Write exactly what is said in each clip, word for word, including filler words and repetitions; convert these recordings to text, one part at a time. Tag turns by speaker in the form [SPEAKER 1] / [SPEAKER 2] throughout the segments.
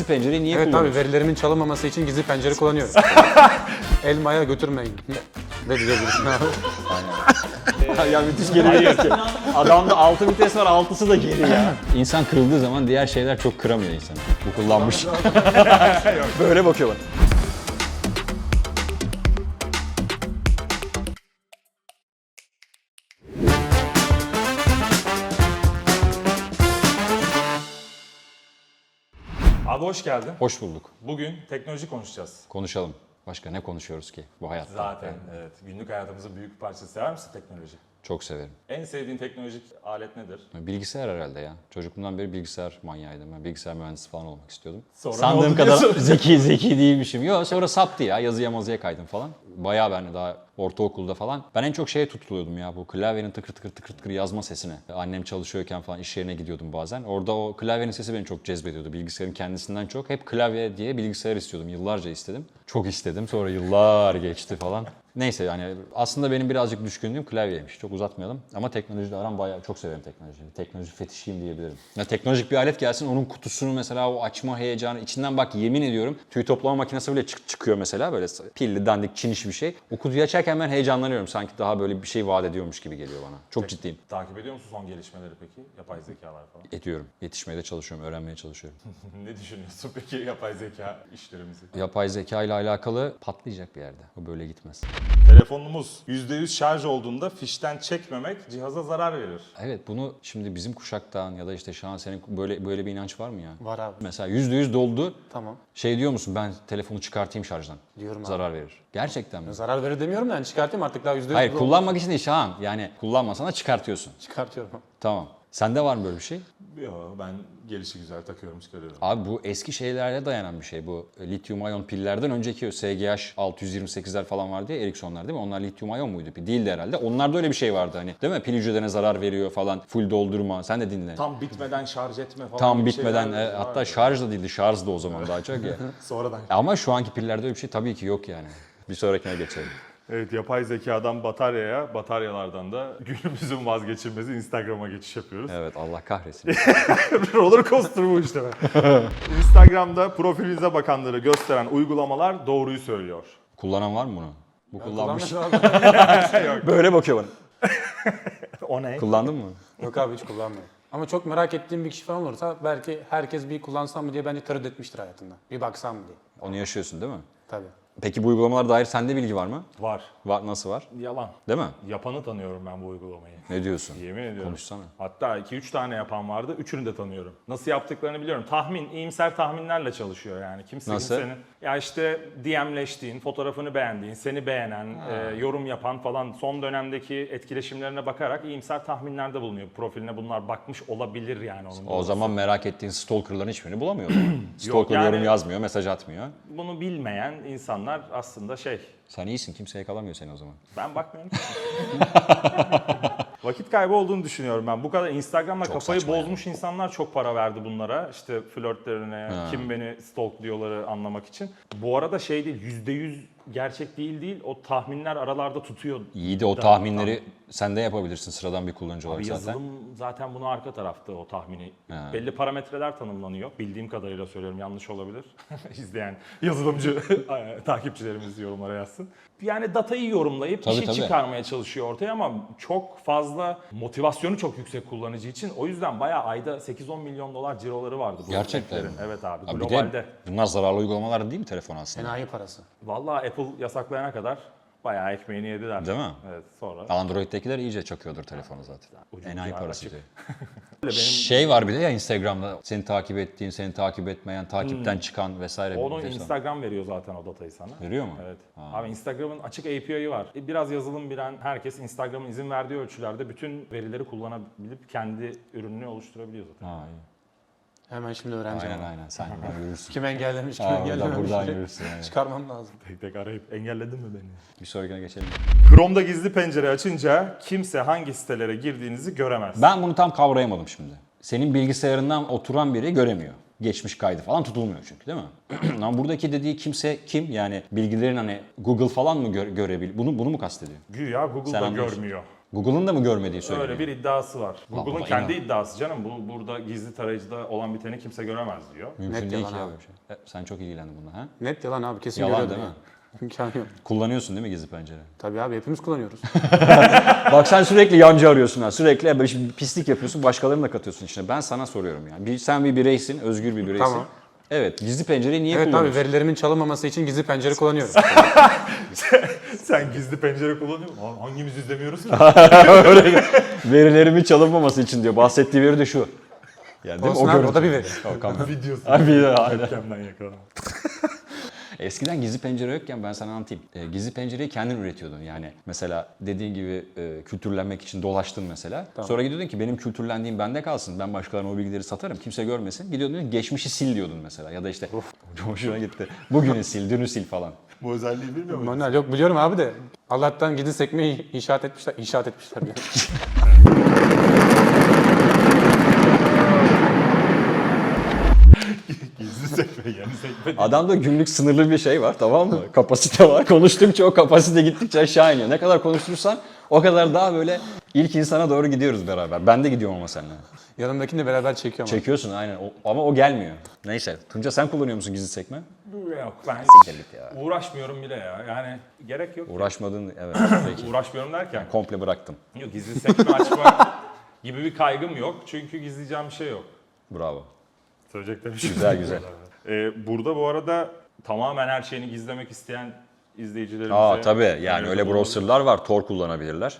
[SPEAKER 1] gizli pencereyi niye
[SPEAKER 2] Evet
[SPEAKER 1] kullanıyorsun?
[SPEAKER 2] tabii, verilerimin çalınmaması için gizli pencere kullanıyorum. Elmaya götürmeyin. Ne diyebilirsin abi?
[SPEAKER 1] Ya müthiş geri vites. Adamda altı vites var, altısı da geri ya. İnsan kırıldığı zaman diğer şeyler çok kıramıyor insanı. Bu kullanmış. Böyle bakıyor bana.
[SPEAKER 3] Abi hoş geldin.
[SPEAKER 1] Hoş bulduk.
[SPEAKER 3] Bugün teknoloji konuşacağız.
[SPEAKER 1] Konuşalım. Başka ne konuşuyoruz ki bu hayatta?
[SPEAKER 3] Zaten evet. Günlük hayatımızın büyük bir parçası. Sever misin teknoloji?
[SPEAKER 1] Çok severim.
[SPEAKER 3] En sevdiğin teknolojik alet nedir?
[SPEAKER 1] Bilgisayar herhalde ya. Çocukluğumdan beri bilgisayar manyağıydım. Ben bilgisayar mühendisi falan olmak istiyordum.
[SPEAKER 3] Sonra ne
[SPEAKER 1] Sandığım
[SPEAKER 3] oldu
[SPEAKER 1] kadar
[SPEAKER 3] diyorsun?
[SPEAKER 1] zeki zeki değilmişim. Yok, sonra saptı ya. Yazıya mazıya kaydım falan. Bayağı ben daha ortaokulda falan. Ben en çok şeye tutuluyordum ya, bu klavyenin tıkır tıkır tıkır tıkır yazma sesine. Annem çalışıyorken falan iş yerine gidiyordum bazen. Orada o klavyenin sesi beni çok cezbediyordu. Bilgisayarın kendisinden çok. Hep klavye diye bilgisayar istiyordum. Yıllarca istedim. Çok istedim. Sonra yıllar geçti falan. Neyse yani aslında benim birazcık düşkünlüğüm klavyeymiş. Çok uzatmayalım. Ama teknolojiyle aram bayağı, çok severim teknolojiyi. Teknoloji fetişiyim diyebilirim. Ya teknolojik bir alet gelsin, onun kutusunu mesela o açma heyecanı içinden, bak yemin ediyorum tüy toplama makinesi bile çık çıkıyor mesela, böyle pilli dandik çiniş bir şey. O kutuyu açarken ben heyecanlanıyorum. Sanki daha böyle bir şey vaat ediyormuş gibi geliyor bana. Çok ciddiyim.
[SPEAKER 3] Takip ediyor musun son gelişmeleri peki? Yapay zekalar falan.
[SPEAKER 1] Ediyorum. Yetişmeye de çalışıyorum, öğrenmeye çalışıyorum.
[SPEAKER 3] Ne düşünüyorsun peki yapay zeka işlerimizi?
[SPEAKER 1] Yapay zeka ile alakalı patlayacak bir yerde. O böyle gitmez.
[SPEAKER 3] Telefonumuz yüzde yüz şarj olduğunda fişten çekmemek cihaza zarar verir.
[SPEAKER 1] Evet, bunu şimdi bizim kuşaktan ya da işte şu an senin böyle böyle bir inanç var mı ya?
[SPEAKER 2] Var abi.
[SPEAKER 1] Mesela yüzde yüz doldu.
[SPEAKER 2] Tamam.
[SPEAKER 1] Şey diyor musun, ben telefonu çıkartayım şarjdan?
[SPEAKER 2] Diyorum abi.
[SPEAKER 1] Zarar verir. Gerçekten mi?
[SPEAKER 2] Zarar verir demiyorum da yani çıkartayım artık, daha yüzde yüz.
[SPEAKER 1] Hayır,
[SPEAKER 2] bu-
[SPEAKER 1] kullanmak için değil Şahan. Yani kullanmasana çıkartıyorsun.
[SPEAKER 2] Çıkartıyorum.
[SPEAKER 1] Tamam. Sende var mı böyle bir şey?
[SPEAKER 3] Yo, ben gelişi güzel takıyorum çıkarıyorum.
[SPEAKER 1] Abi bu eski şeylerle dayanan bir şey. Bu lityum iyon pillerden önceki o S G H altı yüz yirmi sekizler falan vardı ya, Ericssonlar değil mi? Onlar lityum iyon muydu? Değildi herhalde. Onlarda öyle bir şey vardı hani. Değil mi? Pil hücrelerine zarar veriyor falan. Full doldurma. Sen de dinle.
[SPEAKER 3] Tam bitmeden şarj etme falan
[SPEAKER 1] Tam
[SPEAKER 3] gibi
[SPEAKER 1] bitmeden
[SPEAKER 3] şeyler
[SPEAKER 1] e,
[SPEAKER 3] var
[SPEAKER 1] hatta
[SPEAKER 3] ya.
[SPEAKER 1] şarj da değildi. Şarj da o zaman daha çok ya.
[SPEAKER 3] Sonradan.
[SPEAKER 1] Ama şu anki pillerde öyle bir şey tabii ki yok yani. Bir sonrakine geçelim.
[SPEAKER 3] Evet, yapay zekadan bataryaya, bataryalardan da günümüzün vazgeçilmezi Instagram'a geçiş yapıyoruz.
[SPEAKER 1] Evet, Allah kahretsin.
[SPEAKER 3] Roller coaster bu işte. Instagram'da profilinize bakanları gösteren uygulamalar doğruyu söylüyor.
[SPEAKER 1] Kullanan var mı bunu? Bu kullanmış.
[SPEAKER 2] Kullanmış abi.
[SPEAKER 1] Böyle bakıyor bana.
[SPEAKER 3] O ne?
[SPEAKER 1] Kullandın mı?
[SPEAKER 2] Yok abi, hiç kullanmıyorum. Ama çok merak ettiğim bir kişi falan olursa belki herkes bir kullansam mı diye bence tereddüt etmiştir hayatında. Bir baksam mı diye.
[SPEAKER 1] Onu yaşıyorsun değil mi?
[SPEAKER 2] Tabii.
[SPEAKER 1] Peki bu uygulamalara dair sende bilgi var mı?
[SPEAKER 3] Var.
[SPEAKER 1] Var, nasıl var?
[SPEAKER 3] Yalan.
[SPEAKER 1] Değil mi?
[SPEAKER 3] Yapanı tanıyorum ben bu uygulamayı.
[SPEAKER 1] Ne diyorsun?
[SPEAKER 3] Yemin ediyorum.
[SPEAKER 1] Konuşsana.
[SPEAKER 3] Hatta iki üç tane yapan vardı. Üçünü de tanıyorum. Nasıl yaptıklarını biliyorum. Tahmin, iyimser tahminlerle çalışıyor yani. Kimse
[SPEAKER 1] Nasıl?
[SPEAKER 3] kimsenin... Ya işte D M'leştiğin, fotoğrafını beğendiğin, seni beğenen, e, yorum yapan falan son dönemdeki etkileşimlerine bakarak iyimser tahminlerde bulunuyor. Profiline bunlar bakmış olabilir yani onun.
[SPEAKER 1] O zaman merak ettiğin stalkerların hiçbirini bulamıyor o zaman. Stalker
[SPEAKER 3] yani-
[SPEAKER 1] yorum yazmıyor, mesaj atmıyor.
[SPEAKER 3] Bunu bilmeyen insanlar aslında şey...
[SPEAKER 1] Sen iyisin, kimse yakalamıyor seni o zaman.
[SPEAKER 3] Ben bakmıyorum ki. Vakit kaybı olduğunu düşünüyorum ben. Bu kadar Instagram'la
[SPEAKER 1] Çok
[SPEAKER 3] kafayı
[SPEAKER 1] saçma
[SPEAKER 3] bozmuş insanlar çok para verdi bunlara. İşte flörtlerine, kim beni stalkluyorları anlamak için. Bu arada şey değil, yüzde yüz gerçek değil değil. O tahminler aralarda tutuyor.
[SPEAKER 1] İyi de o
[SPEAKER 3] Da-
[SPEAKER 1] tahminleri sen de yapabilirsin sıradan bir kullanıcı olarak
[SPEAKER 3] Abi
[SPEAKER 1] zaten.
[SPEAKER 3] yazılım zaten bunu arka tarafta o tahmini. Belli parametreler tanımlanıyor. Bildiğim kadarıyla söylüyorum, yanlış olabilir. İzleyen yazılımcı takipçilerimiz yorumlara yazsın. Yani datayı yorumlayıp
[SPEAKER 1] Tabii,
[SPEAKER 3] işi
[SPEAKER 1] tabii.
[SPEAKER 3] çıkarmaya çalışıyor ortaya ama çok fazla motivasyonu çok yüksek kullanıcı için. O yüzden bayağı ayda sekiz on milyon dolar ciroları vardı bu
[SPEAKER 1] Gerçekten
[SPEAKER 3] hizmetlerin.
[SPEAKER 1] mi?
[SPEAKER 3] Evet abi,
[SPEAKER 1] Abi bir
[SPEAKER 3] globalde.
[SPEAKER 1] de bunlar zararlı uygulamalar değil mi telefon aslında?
[SPEAKER 2] Enayi parası.
[SPEAKER 3] Vallahi Apple yasaklayana kadar bayağı ekmeğini yediler.
[SPEAKER 1] Değil mi?
[SPEAKER 3] Evet, sonra.
[SPEAKER 1] Android'dekiler iyice çakıyordur telefonu zaten.
[SPEAKER 3] Ucu
[SPEAKER 1] Enayi
[SPEAKER 3] ucu
[SPEAKER 1] parası
[SPEAKER 3] açık.
[SPEAKER 1] diyor.
[SPEAKER 3] Benim,
[SPEAKER 1] Şey var bir de ya Instagram'da seni takip ettiğin, seni takip etmeyen, takipten çıkan vesaire.
[SPEAKER 3] onu
[SPEAKER 1] bir şey
[SPEAKER 3] Instagram veriyor zaten o datayı sana.
[SPEAKER 1] veriyor mu?
[SPEAKER 3] Evet. Abi Instagram'ın açık A P I'yi var. E, Biraz yazılım bilen herkes Instagram'ın izin verdiği ölçülerde bütün verileri kullanabilip kendi ürününü oluşturabiliyor zaten.
[SPEAKER 1] Ha, iyi.
[SPEAKER 2] Hemen şimdi öğreneceğim.
[SPEAKER 1] Aynen aynen, sen buradan yürürsün.
[SPEAKER 2] Kim engellemiş, kim
[SPEAKER 1] Ha, buradan,
[SPEAKER 2] engellememiş.
[SPEAKER 1] buradan yürürsün. Yani.
[SPEAKER 2] Çıkarmam lazım.
[SPEAKER 3] Tek tek arayıp engelledin mi beni?
[SPEAKER 1] Bir sonrakine geçelim.
[SPEAKER 3] Chrome'da gizli pencere açınca kimse hangi sitelere girdiğinizi göremez.
[SPEAKER 1] Ben bunu tam kavrayamadım şimdi. Senin bilgisayarından oturan biri göremiyor. Geçmiş kaydı falan tutulmuyor çünkü, değil mi? Ama buradaki dediği kimse kim? Yani bilgilerin hani Google falan mı gö- görebilir? Bunu bunu mu kastediyor?
[SPEAKER 3] Güya Google
[SPEAKER 1] Sen
[SPEAKER 3] da
[SPEAKER 1] anlıyorsun.
[SPEAKER 3] görmüyor.
[SPEAKER 1] Google'ın da mı görmediği söyleniyor?
[SPEAKER 3] Öyle bir iddiası var. Google'ın
[SPEAKER 1] baba,
[SPEAKER 3] kendi
[SPEAKER 1] inan.
[SPEAKER 3] iddiası canım. Bu burada gizli tarayıcıda olan biteni kimse göremez diyor.
[SPEAKER 1] Mümkün
[SPEAKER 2] Net
[SPEAKER 1] değil
[SPEAKER 2] yalan
[SPEAKER 1] ki ya
[SPEAKER 2] abi.
[SPEAKER 1] böyle bir şey. E, sen çok ilgilendin bununla ha?
[SPEAKER 2] Net yalan abi, kesin
[SPEAKER 1] Yalan
[SPEAKER 2] görüyordur
[SPEAKER 1] değil
[SPEAKER 2] yani.
[SPEAKER 1] mi?
[SPEAKER 2] İmkanı yok.
[SPEAKER 1] Kullanıyorsun değil mi gizli pencere?
[SPEAKER 2] Tabii abi, hepimiz kullanıyoruz.
[SPEAKER 1] Bak sen sürekli yancı arıyorsun ha. Sürekli böyle bir pislik yapıyorsun, başkalarını da katıyorsun içine. Ben sana soruyorum yani. Bir, sen bir bireysin, özgür bir bireysin.
[SPEAKER 2] Tamam.
[SPEAKER 1] Evet, gizli pencereyi niye
[SPEAKER 2] Evet abi,
[SPEAKER 1] kullanıyorsun?
[SPEAKER 2] verilerimin çalınmaması için gizli pencere kullanıyorum.
[SPEAKER 3] Sen gizli pencere kullanıyor musun? Lan hangimiz izlemiyoruz ki?
[SPEAKER 1] Öyle Verilerimin çalınmaması için diyor. Bahsettiği veri de şu. Yani değil mi?
[SPEAKER 2] Olsun abi,
[SPEAKER 1] görüntü.
[SPEAKER 2] o da bir veri.
[SPEAKER 1] O kamera.
[SPEAKER 3] Videosu.
[SPEAKER 1] Abi bir de aynen.
[SPEAKER 3] Webcam'den yakaladım.
[SPEAKER 1] Eskiden gizli pencere yokken ben sana anlatayım. E, gizli pencereyi kendin üretiyordun. Yani mesela dediğin gibi e, kültürlenmek için dolaştın mesela. Sonra gidiyordun ki benim kültürlendiğim bende kalsın. Ben başkalarına o bilgileri satarım. Kimse görmesin. Gidiyordun geçmişi sil diyordun mesela. Ya da işte hoşuna gitti. Bugünü sil, dünü sil falan.
[SPEAKER 3] Bu özelliği bilmiyor musun?
[SPEAKER 2] Manuel yok, biliyorum abi de. Allah'tan gizli sekmeyi inşaat etmişler. İnşaat etmişler. Yani.
[SPEAKER 3] Gizli sekme yani sekme.
[SPEAKER 1] Adamda günlük sınırlı bir şey var, tamam mı? Kapasite var. Konuştukça o kapasite gittikçe aşağı iniyor. Ne kadar konuşursan o kadar daha böyle ilk insana doğru gidiyoruz beraber. Ben de gidiyorum ama seninle.
[SPEAKER 2] Yanımdakini de beraber çekiyorum. abi.
[SPEAKER 1] Çekiyorsun aynen O- ama o gelmiyor. Neyse. Tunca sen kullanıyor musun gizli sekme?
[SPEAKER 3] Yok ben
[SPEAKER 1] Siktir git ya.
[SPEAKER 3] uğraşmıyorum bile ya. Yani gerek yok.
[SPEAKER 1] Uğraşmadın, evet. Peki.
[SPEAKER 3] Uğraşmıyorum derken.
[SPEAKER 1] Komple bıraktım.
[SPEAKER 3] Yok, gizli sekme açmak gibi bir kaygım yok. Çünkü gizleyeceğim bir şey yok.
[SPEAKER 1] Bravo.
[SPEAKER 3] Söyleyeceklerim bir şey
[SPEAKER 1] Güzel
[SPEAKER 3] yok.
[SPEAKER 1] güzel.
[SPEAKER 3] Ee, burada bu arada tamamen her şeyini gizlemek isteyen izleyicilerimize...
[SPEAKER 1] Aa tabii yani
[SPEAKER 3] öneri
[SPEAKER 1] öyle
[SPEAKER 3] bulunabilir.
[SPEAKER 1] browserlar var. Tor kullanabilirler.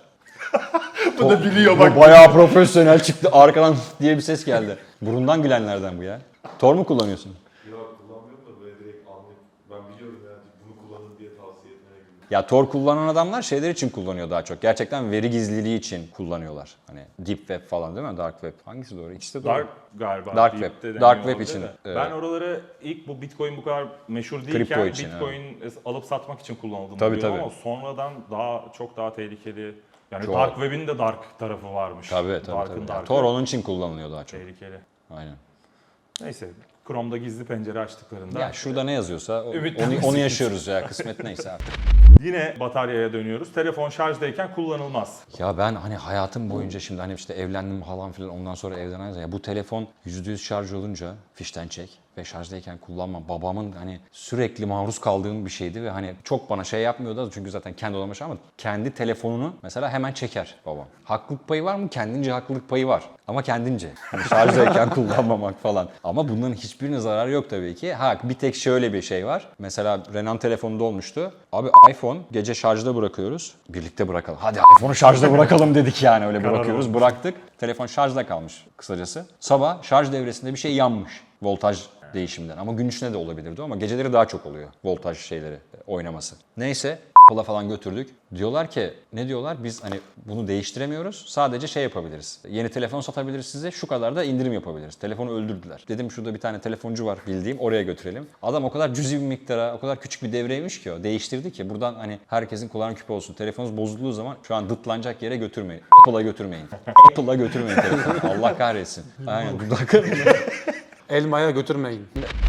[SPEAKER 3] Bu da biliyor
[SPEAKER 1] Bu
[SPEAKER 3] bak.
[SPEAKER 1] bayağı profesyonel çıktı. Arkadan diye bir ses geldi. Burundan gülenlerden bu ya. Tor mu kullanıyorsun?
[SPEAKER 4] Yok kullanmıyorum da böyle direkt anlayıp ben biliyorum yani bunu kullanın diye tavsiye etmeye gibi.
[SPEAKER 1] Ya Tor kullanan adamlar şeyler için kullanıyor daha çok. Gerçekten veri gizliliği için kullanıyorlar. Hani Deep Web falan değil mi? Dark Web. Hangisi doğru? İkisi de doğru.
[SPEAKER 3] Dark galiba.
[SPEAKER 1] Dark
[SPEAKER 3] Deep
[SPEAKER 1] Web.
[SPEAKER 3] de deniyor
[SPEAKER 1] Dark Web
[SPEAKER 3] olabilir
[SPEAKER 1] için,
[SPEAKER 3] de.
[SPEAKER 1] evet.
[SPEAKER 3] Ben oraları ilk bu Bitcoin bu kadar meşhur
[SPEAKER 1] Kripto
[SPEAKER 3] değilken
[SPEAKER 1] için,
[SPEAKER 3] Bitcoin alıp satmak için kullanıldığını
[SPEAKER 1] Tabii,
[SPEAKER 3] biliyorum
[SPEAKER 1] tabii.
[SPEAKER 3] ama sonradan daha çok daha tehlikeli. Yani
[SPEAKER 1] Çok.
[SPEAKER 3] Dark Web'in de dark tarafı varmış.
[SPEAKER 1] Tabii tabii.
[SPEAKER 3] Dark'ın
[SPEAKER 1] tabii. Yani
[SPEAKER 3] dark'ı
[SPEAKER 1] Tor onun için kullanılıyor daha çok.
[SPEAKER 3] tehlikeli.
[SPEAKER 1] Aynen.
[SPEAKER 3] Neyse, Chrome'da gizli pencere açtıklarında
[SPEAKER 1] Ya şurada ne yazıyorsa o-
[SPEAKER 3] Ümitlenmesi
[SPEAKER 1] onu, onu yaşıyoruz ya. Kısmet neyse artık.
[SPEAKER 3] yine bataryaya dönüyoruz. Telefon şarjdayken kullanılmaz.
[SPEAKER 1] Ya ben hani hayatım boyunca şimdi hani işte evlendim falan filan ondan sonra evden ayrıldım. Ya bu telefon yüzde yüz şarj olunca fişten çek ve şarjdayken kullanma. Babamın hani sürekli maruz kaldığım bir şeydi ve hani çok bana şey yapmıyordu çünkü zaten kendi odama şey ama kendi telefonunu mesela hemen çeker babam. Haklılık payı var mı? Kendince haklılık payı var. Ama kendince. Hani şarjdayken kullanmamak falan. Ama bunların hiçbirine zararı yok tabii ki. Ha bir tek şöyle bir şey var. Mesela Renan telefonunda olmuştu. Abi iPhone gece şarjda bırakıyoruz. Birlikte bırakalım. Hadi iPhone'u şarjda bırakalım dedik yani öyle bırakıyoruz. Bıraktık. Telefon şarjda kalmış kısacası. Sabah şarj devresinde bir şey yanmış. Voltaj değişimden. Ama gün içinde de olabilirdi ama geceleri daha çok oluyor voltaj şeyleri oynaması. Neyse Apple'a falan götürdük. Diyorlar ki ne diyorlar? Biz hani bunu değiştiremiyoruz. Sadece şey yapabiliriz. Yeni telefon satabiliriz size. Şu kadar da indirim yapabiliriz. Telefonu öldürdüler. Dedim şurada bir tane telefoncu var bildiğim. Oraya götürelim. Adam o kadar cüzi bir miktara, o kadar küçük bir devreymiş ki o. Değiştirdi ki buradan hani herkesin kulağına küpe olsun. Telefonunuz bozulduğu zaman şu an dıtlanacak yere götürmeyin. Apple'a götürmeyin. Apple'a götürmeyin telefonu. Allah kahretsin. Aynen dudaklarını.
[SPEAKER 2] Elmaya götürmeyin.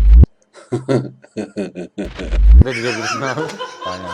[SPEAKER 2] Ne diyebilirsin abi?
[SPEAKER 1] Aynen.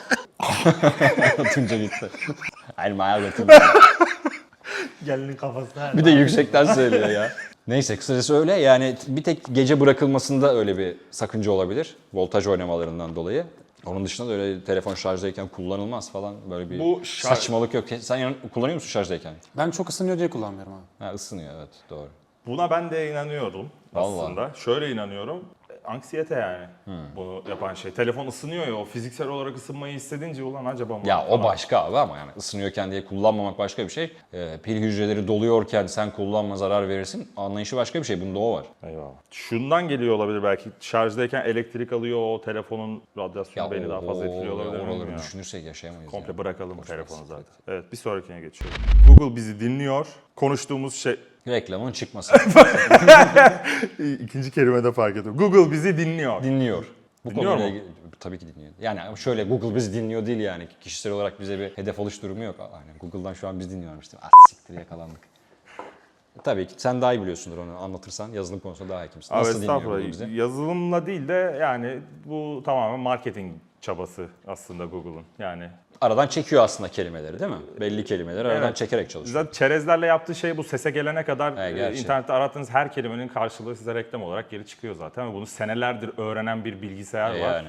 [SPEAKER 1] Tunca gitti. Elmaya götürmeyin.
[SPEAKER 3] Gelinin kafasına.
[SPEAKER 1] Bir de yüksekten söylüyor ya. Neyse kısacası öyle yani bir tek gece bırakılmasında öyle bir sakınca olabilir. Voltaj oynamalarından dolayı. Onun dışında da öyle telefon şarjdayken kullanılmaz falan böyle bir
[SPEAKER 3] Bu şarj-
[SPEAKER 1] saçmalık yok. Sen yan- kullanıyor musun şarjdayken?
[SPEAKER 2] Ben çok ısınıyor diye kullanmıyorum abi.
[SPEAKER 1] Ha ısınıyor evet doğru.
[SPEAKER 3] Buna ben de inanıyorum
[SPEAKER 1] Vallahi.
[SPEAKER 3] aslında. Şöyle inanıyorum. Anksiyete yani bunu yapan şey. Telefon ısınıyor ya, o fiziksel olarak ısınmayı hissedince ulan acaba mı?
[SPEAKER 1] Ya o başka abi ama yani ısınıyorken diye kullanmamak başka bir şey. Ee, pil hücreleri doluyorken sen kullanma zarar verirsin. Anlayışı başka bir şey. Bunda o var.
[SPEAKER 3] Eyvallah. Şundan geliyor olabilir belki. Şarjdayken elektrik alıyor, o telefonun radyasyonu beni daha fazla etkiliyor olabilir.
[SPEAKER 1] Oraları
[SPEAKER 3] Oraları
[SPEAKER 1] düşünürsek yaşayamayız.
[SPEAKER 3] Komple
[SPEAKER 1] yani.
[SPEAKER 3] bırakalım
[SPEAKER 1] Boş
[SPEAKER 3] telefonu
[SPEAKER 1] ver.
[SPEAKER 3] zaten. Evet, bir sonrakine geçiyorum. Google bizi dinliyor. Konuştuğumuz şey...
[SPEAKER 1] Reklamın çıkması.
[SPEAKER 3] İkinci kelimede fark ettim. Google bizi dinliyor.
[SPEAKER 1] Dinliyor. Bu
[SPEAKER 3] Dinliyor
[SPEAKER 1] konuyla
[SPEAKER 3] mu?
[SPEAKER 1] ilgili- tabii ki dinliyor. Yani şöyle Google bizi dinliyor değil yani. Kişisel olarak bize bir hedef oluş durumu yok. Aynen Google'dan şu an biz dinliyormuş değil mi? Ah siktir yakalandık. Tabii ki sen daha iyi biliyorsundur onu anlatırsan. Yazılım konusunda daha hakimsin.
[SPEAKER 3] Abi
[SPEAKER 1] Nasıl dinliyor
[SPEAKER 3] estağfurullah.
[SPEAKER 1] Google bizi?
[SPEAKER 3] Yazılımla değil de yani bu tamamen marketing çabası aslında Google'ın. Yani
[SPEAKER 1] Aradan çekiyor aslında kelimeleri değil mi? Belli kelimeleri aradan
[SPEAKER 3] Evet.
[SPEAKER 1] çekerek çalışıyor.
[SPEAKER 3] zaten çerezlerle yaptığı şey bu, sese gelene kadar
[SPEAKER 1] He,
[SPEAKER 3] e,
[SPEAKER 1] gerçi.
[SPEAKER 3] internette arattığınız her kelimenin karşılığı size reklam olarak geri çıkıyor zaten. Ve bunu senelerdir öğrenen bir bilgisayar
[SPEAKER 1] E
[SPEAKER 3] var.
[SPEAKER 1] yani.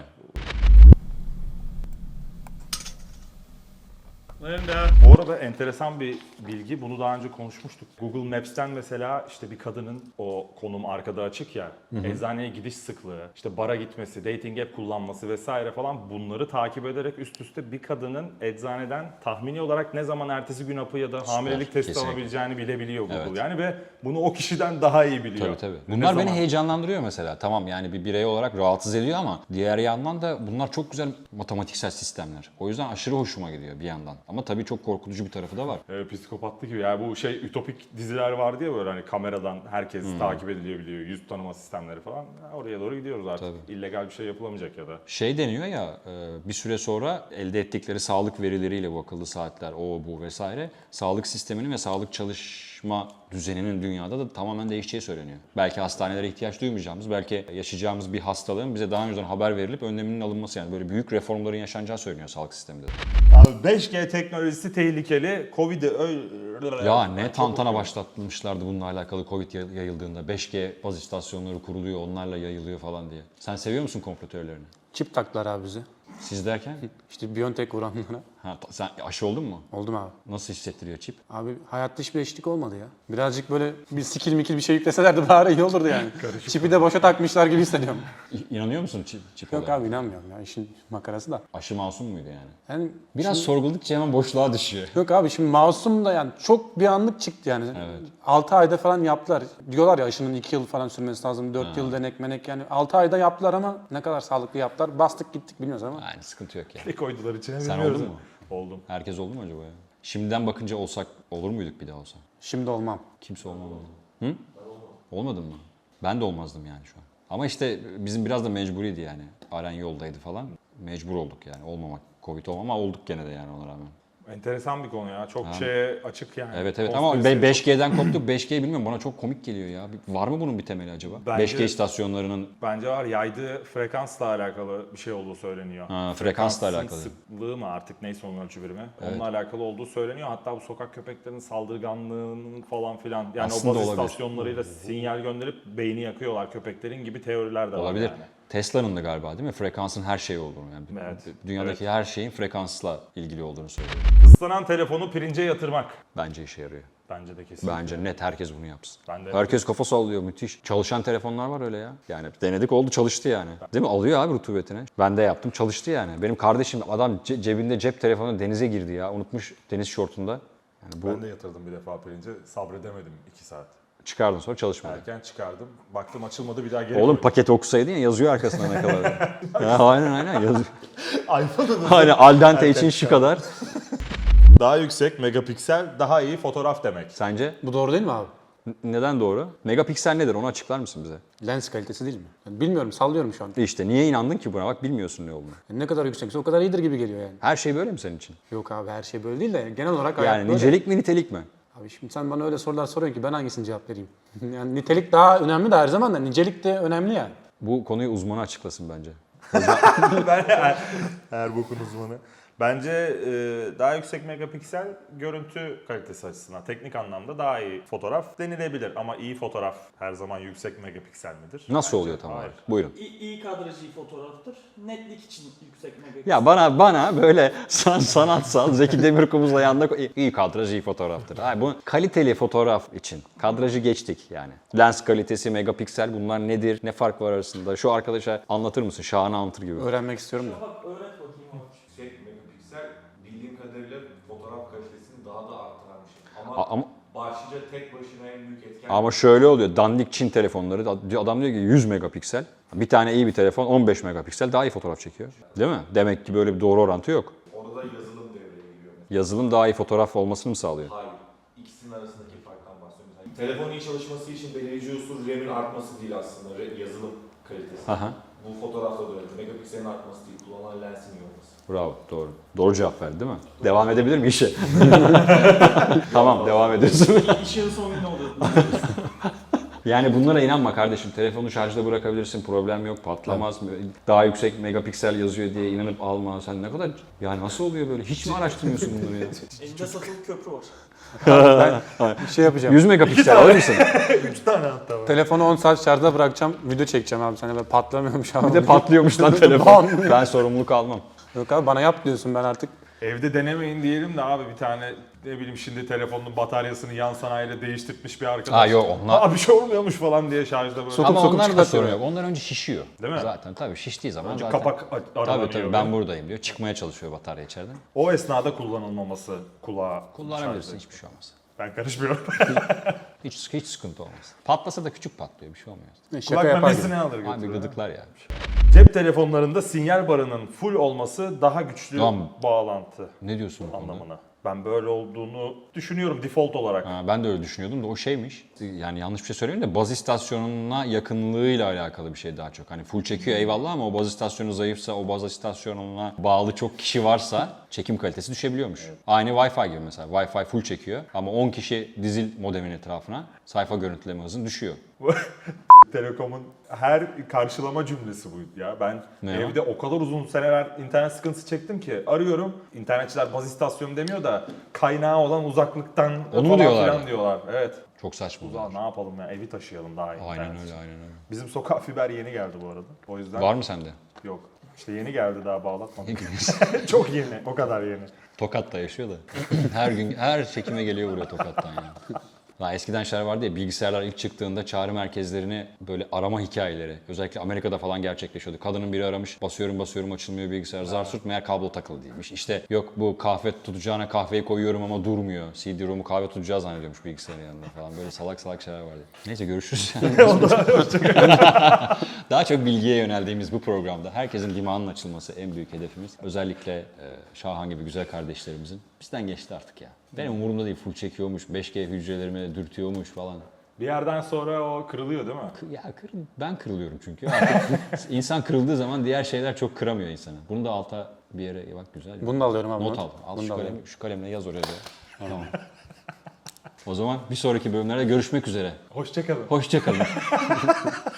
[SPEAKER 3] Bu arada enteresan bir bilgi. Bunu daha önce konuşmuştuk. Google Maps'ten mesela işte bir kadının o konum arkada açık ya, eczaneye gidiş sıklığı, işte bara gitmesi, dating app kullanması vesaire falan, bunları takip ederek üst üste bir kadının eczaneden tahmini olarak ne zaman ertesi gün hapı ya da hamilelik testi
[SPEAKER 1] kesinlikle.
[SPEAKER 3] alabileceğini bilebiliyor Google.
[SPEAKER 1] Evet.
[SPEAKER 3] Yani ve bunu o kişiden daha iyi biliyor.
[SPEAKER 1] Tabii tabii.
[SPEAKER 3] Ne
[SPEAKER 1] Bunlar beni
[SPEAKER 3] zaman-
[SPEAKER 1] heyecanlandırıyor mesela. Tamam yani bir birey olarak rahatsız ediyor ama diğer yandan da bunlar çok güzel matematiksel sistemler. O yüzden aşırı hoşuma gidiyor bir yandan. Ama tabii çok korkutucu bir tarafı da var.
[SPEAKER 3] E, psikopatlık gibi. Yani bu şey ütopik diziler vardı ya, böyle hani kameradan herkes
[SPEAKER 1] Hmm.
[SPEAKER 3] takip ediliyor biliyor. Yüz tanıma sistemleri falan. Ha, oraya doğru gidiyoruz artık.
[SPEAKER 1] Tabii.
[SPEAKER 3] İllegal bir şey yapılamayacak ya da.
[SPEAKER 1] Şey deniyor ya e, bir süre sonra elde ettikleri sağlık verileriyle bu akıllı saatler, o bu vesaire sağlık sisteminin ve sağlık çalışma düzeninin dünyada da tamamen değişeceği söyleniyor. Belki hastanelere ihtiyaç duymayacağımız, belki yaşayacağımız bir hastalığın bize daha önceden haber verilip önleminin alınması, yani böyle büyük reformların yaşanacağı söyleniyor sağlık sisteminde.
[SPEAKER 3] Abi beş G teknolojisi tehlikeli. Covid'i öyle...
[SPEAKER 1] Ya ne tantana başlatmışlardı bununla alakalı Covid yayıldığında. beş G baz istasyonları kuruluyor, onlarla yayılıyor falan diye. Sen seviyor musun komplo teorilerini?
[SPEAKER 2] Çip taktılar abi bize.
[SPEAKER 1] Siz derken?
[SPEAKER 2] İşte Biontech vuranlara.
[SPEAKER 1] Ha, ta- sen aşı oldun mu?
[SPEAKER 2] Oldum abi.
[SPEAKER 1] Nasıl hissettiriyor çip?
[SPEAKER 2] Abi hayatta hiçbir eşlik olmadı ya. Birazcık böyle bir skill mikil bir şey yükleselerdi bari iyi olurdu yani. Çipi de boşa takmışlar gibi hissediyorum.
[SPEAKER 1] İ- İnanıyor musun çip, çip
[SPEAKER 2] Yok
[SPEAKER 1] olarak?
[SPEAKER 2] abi inanmıyorum ya, işin makarası da.
[SPEAKER 1] Aşı masum muydu yani?
[SPEAKER 2] Yani
[SPEAKER 1] Biraz
[SPEAKER 2] şimdi-
[SPEAKER 1] sorguladıkça hemen boşluğa düşüyor.
[SPEAKER 2] Yok abi şimdi masum da yani çok bir anlık çıktı yani.
[SPEAKER 1] Evet.
[SPEAKER 2] altı ayda falan yaptılar. Diyorlar ya aşının iki yıl falan sürmesi lazım. dört yıl denek menek yani. altı ayda yaptılar ama ne kadar sağlıklı yaptılar. Bastık gittik bilmiyoruz ama.
[SPEAKER 1] Yani sıkıntı yok yani.
[SPEAKER 3] Ne koydular içine
[SPEAKER 1] Sen
[SPEAKER 3] bilmiyoruz
[SPEAKER 1] oldun mu?
[SPEAKER 3] Oldum.
[SPEAKER 1] Herkes oldu mu acaba ya? Şimdiden bakınca olsak olur muyduk bir daha olsa?
[SPEAKER 2] Şimdi olmam.
[SPEAKER 1] Kimse olmadı. Hı? Olmadın mı? Ben de olmazdım yani şu an. Ama işte bizim biraz da mecburiydi yani. Aren yoldaydı falan. Mecbur olduk yani olmamak, Covid olmama ama olduk gene de yani ona rağmen.
[SPEAKER 3] Enteresan bir konu ya. Çok şeye açık yani.
[SPEAKER 1] Evet evet ama
[SPEAKER 3] Konspirasi-
[SPEAKER 1] be- beş G'den koptuk. beş G bilmiyorum, bana çok komik geliyor ya. Bir- Var mı bunun bir temeli acaba?
[SPEAKER 3] Bence-
[SPEAKER 1] beş G istasyonlarının
[SPEAKER 3] Bence var. Yaydığı frekansla alakalı bir şey olduğu söyleniyor.
[SPEAKER 1] Ha, frekansla
[SPEAKER 3] Frekansın
[SPEAKER 1] alakalı.
[SPEAKER 3] sıklığı mı artık, neyse onun ölçü birimi.
[SPEAKER 1] Evet.
[SPEAKER 3] Onunla alakalı olduğu söyleniyor. Hatta bu sokak köpeklerinin saldırganlığının falan filan. Yani
[SPEAKER 1] Aslında
[SPEAKER 3] o baz
[SPEAKER 1] olabilir.
[SPEAKER 3] istasyonlarıyla sinyal gönderip beyni yakıyorlar köpeklerin gibi teoriler de
[SPEAKER 1] olabilir.
[SPEAKER 3] var yani.
[SPEAKER 1] Tesla'nın da galiba değil mi? Frekansın her şeyi olduğunu. Yani
[SPEAKER 3] Evet.
[SPEAKER 1] dünyadaki her şeyin frekansla ilgili olduğunu söylüyor.
[SPEAKER 3] Islanan telefonu pirince yatırmak.
[SPEAKER 1] Bence işe yarıyor.
[SPEAKER 3] Bence de kesin.
[SPEAKER 1] Bence net herkes bunu yapsın.
[SPEAKER 3] Ben de-
[SPEAKER 1] Herkes kafa sallıyor, müthiş. Çalışan telefonlar var öyle ya. Yani denedik oldu, çalıştı yani. Değil mi? Alıyor abi rutubetini. Ben de yaptım, çalıştı yani. Benim kardeşim adam ce- cebinde cep telefonu denize girdi ya. Unutmuş deniz şortunda. Yani bu
[SPEAKER 4] Ben de yatırdım bir defa pirince. Sabredemedim iki saat.
[SPEAKER 1] çıkardın sonra çalışmadı.
[SPEAKER 4] Erken çıkardım. Baktım açılmadı, bir daha geri
[SPEAKER 1] Oğlum
[SPEAKER 4] koydum.
[SPEAKER 1] paketi okusaydın ya, yazıyor arkasına ne kadar. Ya, aynen aynen yazıyor.
[SPEAKER 4] iPhone'un
[SPEAKER 1] Aynen al dente için şu kadar.
[SPEAKER 4] daha yüksek megapiksel, daha iyi fotoğraf demek.
[SPEAKER 1] Sence
[SPEAKER 2] Bu doğru değil mi abi?
[SPEAKER 1] N- neden doğru? Megapiksel nedir? Onu açıklar mısın bize?
[SPEAKER 2] Lens kalitesi değil mi? Yani bilmiyorum sallıyorum şu an.
[SPEAKER 1] İşte niye inandın ki buna? Bak bilmiyorsun ne olduğunu.
[SPEAKER 2] Yani ne kadar yüksekse o kadar iyidir gibi geliyor yani.
[SPEAKER 1] Her şey böyle mi senin için?
[SPEAKER 2] Yok abi her şey böyle değil de genel olarak hayat
[SPEAKER 1] Yani
[SPEAKER 2] böyle.
[SPEAKER 1] nicelik mi nitelik mi?
[SPEAKER 2] Abi şimdi sen bana öyle sorular soruyorsun ki ben hangisini cevap vereyim? Yani nitelik daha önemli de her zaman da nicelik de önemli ya.
[SPEAKER 1] Bu konuyu uzmanı açıklasın bence.
[SPEAKER 3] Ben her bokun uzmanı. Bence e, daha yüksek megapiksel görüntü kalitesi açısından teknik anlamda daha iyi fotoğraf denilebilir ama iyi fotoğraf her zaman yüksek megapiksel midir?
[SPEAKER 1] Nasıl
[SPEAKER 3] Bence
[SPEAKER 1] oluyor tam
[SPEAKER 3] hayır.
[SPEAKER 1] olarak? Buyurun.
[SPEAKER 5] İyi, iyi kadrajı fotoğraftır. Netlik için yüksek megapiksel.
[SPEAKER 1] Ya bana bana böyle san, sanatsal Zeki Demirkubuz'la yanında iyi, iyi kadraj iyi fotoğraftır. Hayır, bu kaliteli fotoğraf için kadrajı geçtik yani. Lens kalitesi, megapiksel bunlar nedir? Ne fark var arasında? Şu arkadaşa anlatır mısın? Şahane anlatır gibi.
[SPEAKER 2] Öğrenmek istiyorum da.
[SPEAKER 5] Bak öğret bakayım abi.
[SPEAKER 4] Yüksek megapiksel bildiğim kadarıyla fotoğraf kalitesini daha da arttıran bir şey.
[SPEAKER 1] A-
[SPEAKER 4] Ama,
[SPEAKER 1] Ama
[SPEAKER 4] başlıca tek başına en büyük etken...
[SPEAKER 1] ama şöyle oluyor. Dandik Çin telefonları adam diyor ki yüz megapiksel. Bir tane iyi bir telefon on beş megapiksel daha iyi fotoğraf çekiyor. Değil mi? Demek ki böyle bir doğru orantı yok.
[SPEAKER 4] Orada yazılım devreye giriyor.
[SPEAKER 1] Yazılım daha iyi fotoğraf olmasını mı sağlıyor?
[SPEAKER 4] Hayır. İkisinin arasındaki farktan bahsediyorum. Yani telefonun iyi çalışması için belirleyici unsur RAM'in artması değil aslında. re- Yazılım kalitesi.
[SPEAKER 1] Aha.
[SPEAKER 4] Bu fotoğrafta da öyle. Megapikselin artması değil. Kullanılan lensin iyi olması.
[SPEAKER 1] Bravo, doğru. Doğru cevap verdi değil mi? Devam edebilir mi işe? Tamam, devam ediyorsun.
[SPEAKER 5] İşin sonu ne oluyor?
[SPEAKER 1] Yani bunlara inanma kardeşim. Telefonu şarjda bırakabilirsin, problem yok, patlamaz. Daha yüksek megapiksel yazıyor diye inanıp alma. Sen ne kadar... Ya nasıl oluyor böyle? Hiç mi araştırmıyorsun bunları ya?
[SPEAKER 5] Elinde satılı köprü var.
[SPEAKER 2] Bir şey yapacağım.
[SPEAKER 1] yüz megapiksel alır mısın?
[SPEAKER 3] Üç tane hatta var.
[SPEAKER 2] Telefonu on saat şarjda bırakacağım. Video çekeceğim abi sana. Böyle patlamıyormuş abi.
[SPEAKER 1] Bir de patlıyormuş lan telefon. Ben sorumluluk almam.
[SPEAKER 2] Yok abi bana yap diyorsun ben artık.
[SPEAKER 3] Evde denemeyin diyelim de abi bir tane ne bileyim şimdi telefonun bataryasını yan sanayide değiştirmiş bir arkadaş.
[SPEAKER 1] Ha yok onlar...
[SPEAKER 3] Aa bir şey olmuyormuş falan diye şarjda böyle.
[SPEAKER 2] Sokup
[SPEAKER 1] Ama
[SPEAKER 2] sokup
[SPEAKER 1] onlar da
[SPEAKER 2] çıkartıyor.
[SPEAKER 1] sorun yok. Onlar önce şişiyor.
[SPEAKER 3] Değil mi?
[SPEAKER 1] Zaten tabii şiştiği zaman
[SPEAKER 3] Önce
[SPEAKER 1] zaten...
[SPEAKER 3] kapak a- aralanıyor.
[SPEAKER 1] Tabii tabii ben buradayım diyor. Çıkmaya çalışıyor batarya içeriden.
[SPEAKER 3] O esnada kullanılmaması kulağa.
[SPEAKER 1] Kullanabilirsin
[SPEAKER 3] şarjda.
[SPEAKER 1] hiçbir şey olmaz.
[SPEAKER 3] Ben karışmıyorum.
[SPEAKER 1] Hiç hiç sıkıntı olmaz. Patlasa da küçük patlıyor bir şey olmuyor.
[SPEAKER 2] Şaka
[SPEAKER 3] Kulak
[SPEAKER 2] yapar gibi.
[SPEAKER 3] memesini alır
[SPEAKER 1] Abi
[SPEAKER 3] götürür.
[SPEAKER 1] gıdıklar yani.
[SPEAKER 3] Cep telefonlarında sinyal barının full olması daha güçlü
[SPEAKER 1] Tamam.
[SPEAKER 3] bağlantı
[SPEAKER 1] Ne diyorsun bu konuda?
[SPEAKER 3] anlamına. Ben böyle olduğunu düşünüyorum default olarak.
[SPEAKER 1] Ha, ben de öyle düşünüyordum da o şeymiş. Yani yanlış bir şey söyleyeyim de baz istasyonuna yakınlığıyla alakalı bir şey daha çok. Hani full çekiyor eyvallah ama o baz istasyonu zayıfsa, o baz istasyonuna bağlı çok kişi varsa çekim kalitesi düşebiliyormuş. Aynı Wi-Fi gibi mesela. Wi-Fi full çekiyor ama on kişi dizil modemin etrafına sayfa görüntüleme hızın düşüyor.
[SPEAKER 3] Telekom'un her karşılama cümlesi buydu ya. Ben
[SPEAKER 1] Ne
[SPEAKER 3] evde o kadar uzun seneler internet sıkıntısı çektim ki arıyorum. İnternetçiler baz istasyonu demiyor da kaynağı olan uzaklıktan
[SPEAKER 1] Onu mu
[SPEAKER 3] falan
[SPEAKER 1] diyorlar
[SPEAKER 3] filan
[SPEAKER 1] ya?
[SPEAKER 3] diyorlar. Evet.
[SPEAKER 1] Çok saçma.
[SPEAKER 3] Uzağa ne yapalım ya evi taşıyalım daha iyi.
[SPEAKER 1] Aynen
[SPEAKER 3] internet.
[SPEAKER 1] öyle, aynen öyle.
[SPEAKER 3] Bizim sokağa fiber yeni geldi bu arada. O yüzden
[SPEAKER 1] Var mı sende?
[SPEAKER 3] yok. İşte yeni geldi daha bağlatmadım.
[SPEAKER 1] Ne biliyorsun?
[SPEAKER 3] Çok yeni. O kadar yeni.
[SPEAKER 1] Tokat'ta yaşıyor da. Her gün, her çekime geliyor buraya Tokat'tan yani. Daha eskiden şeyler vardı ya, bilgisayarlar ilk çıktığında çağrı merkezlerini böyle arama hikayeleri, özellikle Amerika'da falan gerçekleşiyordu. Kadının biri aramış, basıyorum basıyorum açılmıyor bilgisayar, zar surt meğer kablo takılı değilmiş. İşte yok bu kahve tutacağına kahveyi koyuyorum ama durmuyor. C D-ROM'u kahve tutacağı zannediyormuş bilgisayarın yanında falan. Böyle salak salak şeyler vardı. Neyse görüşürüz. Daha çok bilgiye yöneldiğimiz bu programda herkesin dimağının açılması en büyük hedefimiz. Özellikle e, Şahan gibi güzel kardeşlerimizin. Bizden geçti artık ya. Benim umurumda değil, full çekiyormuş, beş G hücrelerimi dürtüyormuş falan.
[SPEAKER 3] Bir yerden sonra o kırılıyor değil mi?
[SPEAKER 1] Kı- Ya kır, ben kırılıyorum çünkü. Artık insan kırıldığı zaman diğer şeyler çok kıramıyor insanı. Bunu da alta bir yere bak güzel.
[SPEAKER 2] Bunu da alıyorum abi.
[SPEAKER 1] Not al. Al
[SPEAKER 2] Bunu
[SPEAKER 1] şu
[SPEAKER 2] da
[SPEAKER 1] kalemi,
[SPEAKER 2] alıyorum.
[SPEAKER 1] şu kalemle yaz oraya da. Tamam. O zaman bir sonraki bölümlerde görüşmek üzere.
[SPEAKER 3] Hoşçakalın.
[SPEAKER 1] Hoşça kalın.